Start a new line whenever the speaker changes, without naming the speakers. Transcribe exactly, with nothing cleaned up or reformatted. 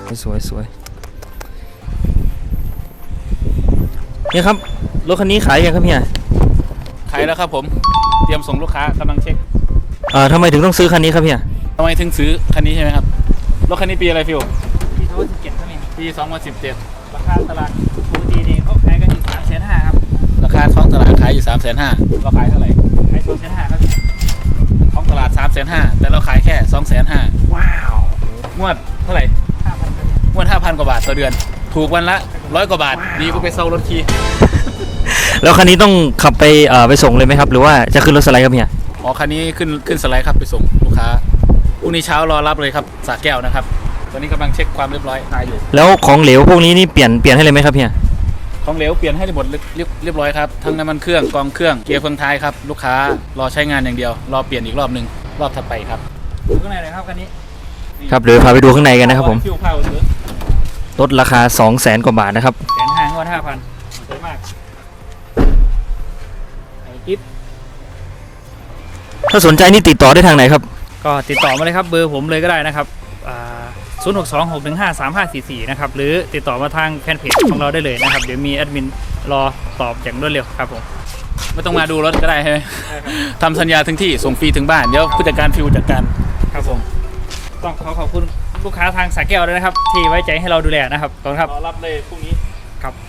สวยสวยเนี่ยครับรถคันนี้ขายยังครับเนี่ย
ขายแล้วครับผมเตรียมส่งลูกค้ากำลังเช็ค
เอ่อทำไมถึงต้องซื้อคันนี้ครับเนี่ย
ทำไมถึงซื้อคันนี้ใช่ไหมครับรถคันนี้ปีอะไรฟิว
ปีสองพันสิบเจ็ดครับเนี่ย
ปีสองพันสิบเจ็ด
ราคาตลาดปกตินี่เขาขายกันอยู่สามแสนห้าครับ
ราคาท้องตลาดขายอยู่สามแสนห้าเราขายเท่าไหร่
ขายสองแสนห้าครับ
ท้องตลาดสามแสนห้าแต่เราขายแค่สองแสนห้า
ว้าว
งวดเท่าไหร่
ห้าพัน
งวดห้าพันกว่าบาทต่อเดือนถูกวันละร้อยกว่าบาทดีก็ไปเซารถคี
แล้วคันนี้ต้องขับไปเอ่อไปส่งเลยไหมครับหรือว่าจะขึ้นรถสไลด์ครับเนี่ย
อ๋อคันนี้ขึ้นขึ้นสไลด์ครับไปส่งลูกค้าพรุ่งนี้เช้ารอรับเลยครับสระแก้วนะครับตอนนี้กำลังเช็คความเรียบร้อยขายอยู่
แล้วของเหลวพวกนี้นี่เปลี่ยนเปลี่ยนให้เลยไหมครับเนี่ย
ของเหลวเปลี่ยนให้หมดเรียบเรียบร้อยครับทั้งน้ำมันเครื่องกองเครื่องเกียร์เฟืองท้ายครับลูกค้ารอใช้งานอย่างเดียวรอเปลี่ยนอีกรอบหนึ่งรอบถัดไปครับ
ดูข้างในเลยครับคันนี้
ครับเดี๋ยวพาไปดูข้างในกันนะครับผม
ฟิวเผาหรือ
รถราคา สองแสน กว่าบาทนะครับ
แสนห้างวดห้าพันสวยมากไอกิ๊บ
ถ้าสนใจนี่ติดต่อได้ทางไหนครับ
ก็ติดต่อมาเลยครับเบอร์ผมเลยก็ได้นะครับศูนย์หกสองหกหนึ่งห้าสามห้าสี่สี่นะครับหรือติดต่อมาทางแฟนเพจของเราได้เลยนะครับเดี๋ยวมีแอดมินรอตอบอย่างรวดเร็วครับผม
ไม่ต้องมาดูรถก็ได้ใช่ไหมทำสัญญาถึงที่ส่งฟรีถึงบ้านเดี๋ยวผู้จัดการฟิวจัดการ
ครับผมต้องขอขอบคุณลูกค้าทางสระแก้วด้วยนะครับที่ไว้ใจให้เราดูแลนะครับขอบคุณครับ
รอรับเลยพรุ่งนี้
ครับ